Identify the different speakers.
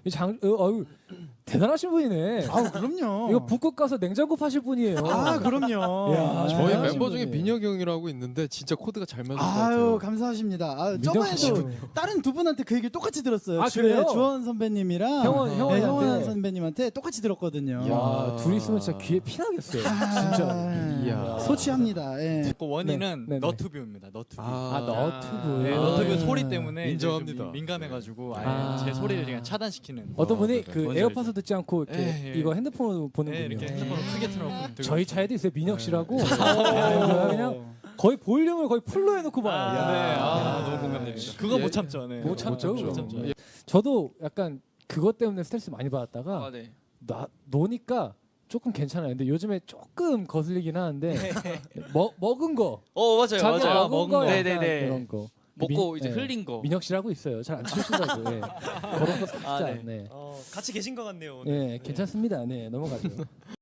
Speaker 1: 대단하신 분이네.
Speaker 2: 아 그럼요.
Speaker 1: 이거 북극 가서 냉장고 파실 분이에요.
Speaker 2: 아 그럼요.
Speaker 1: 야,
Speaker 3: 저희
Speaker 1: 대단하신
Speaker 3: 멤버 중에
Speaker 1: 분이에요.
Speaker 3: 민혁이 형이라고 있는데 진짜 코드가 잘 맞는 것
Speaker 2: 아유
Speaker 3: 같아요.
Speaker 2: 감사하십니다. 아,
Speaker 1: 민혁
Speaker 2: 저번에도
Speaker 1: 씨.
Speaker 2: 다른 두 분한테 그 얘기를 똑같이 들었어요.
Speaker 1: 아, 그래요?
Speaker 2: 주원 선배님이랑
Speaker 1: 형원한테.
Speaker 2: 형원 선배님한테 똑같이 들었거든요.
Speaker 1: 야, 둘이 있으면 진짜 귀에 피나겠어요. 진짜.
Speaker 3: 이야.
Speaker 2: 소취합니다. 예.
Speaker 4: 그 원인은
Speaker 1: 네, 네, 네.
Speaker 4: 너튜브입니다. 너튜브.
Speaker 1: 너튜브.
Speaker 4: 네,
Speaker 3: 아,
Speaker 4: 너튜브
Speaker 3: 예.
Speaker 4: 소리 때문에
Speaker 3: 인정합니다.
Speaker 4: 이제 좀 민감해가지고 아예
Speaker 1: 아.
Speaker 4: 제 소리를 그냥 차단시키는.
Speaker 1: 어떤 분이
Speaker 3: 네.
Speaker 1: 그
Speaker 4: 뭔지
Speaker 1: 에어팟을 듣지 않고 이렇게
Speaker 4: 예, 예.
Speaker 1: 이거 핸드폰으로 보는군요.
Speaker 4: 네, 이렇게 핸드폰을 크게 틀어놓고 들고
Speaker 1: 저희 차에도 있어요. 민혁 씨라고. 그냥 거의 볼륨을 거의 풀로 해놓고 봐요.
Speaker 4: 너무 공감됩니다. 그거
Speaker 3: 예.
Speaker 4: 못 참죠. 네.
Speaker 1: 못 참죠.
Speaker 4: 못 참죠.
Speaker 1: 예. 저도 약간 그것 때문에 스트레스 많이 받았다가
Speaker 4: 네.
Speaker 1: 노니까 조금 괜찮아요. 근데 요즘에 조금 거슬리긴 하는데 먹은 거
Speaker 5: 맞아요,
Speaker 1: 자기가
Speaker 5: 맞아요.
Speaker 1: 먹은 거 약간
Speaker 5: 네네네.
Speaker 1: 그런 거
Speaker 5: 먹고
Speaker 1: 민-
Speaker 5: 이제
Speaker 1: 예.
Speaker 5: 흘린 거.
Speaker 1: 민혁 씨라고 있어요. 잘 안 치우시더라고요. 예. 그런 거 살짝
Speaker 5: 아, 네.
Speaker 1: 네.
Speaker 6: 같이 계신 것 같네요. 오늘.
Speaker 1: 예, 괜찮습니다. 네, 넘어가죠.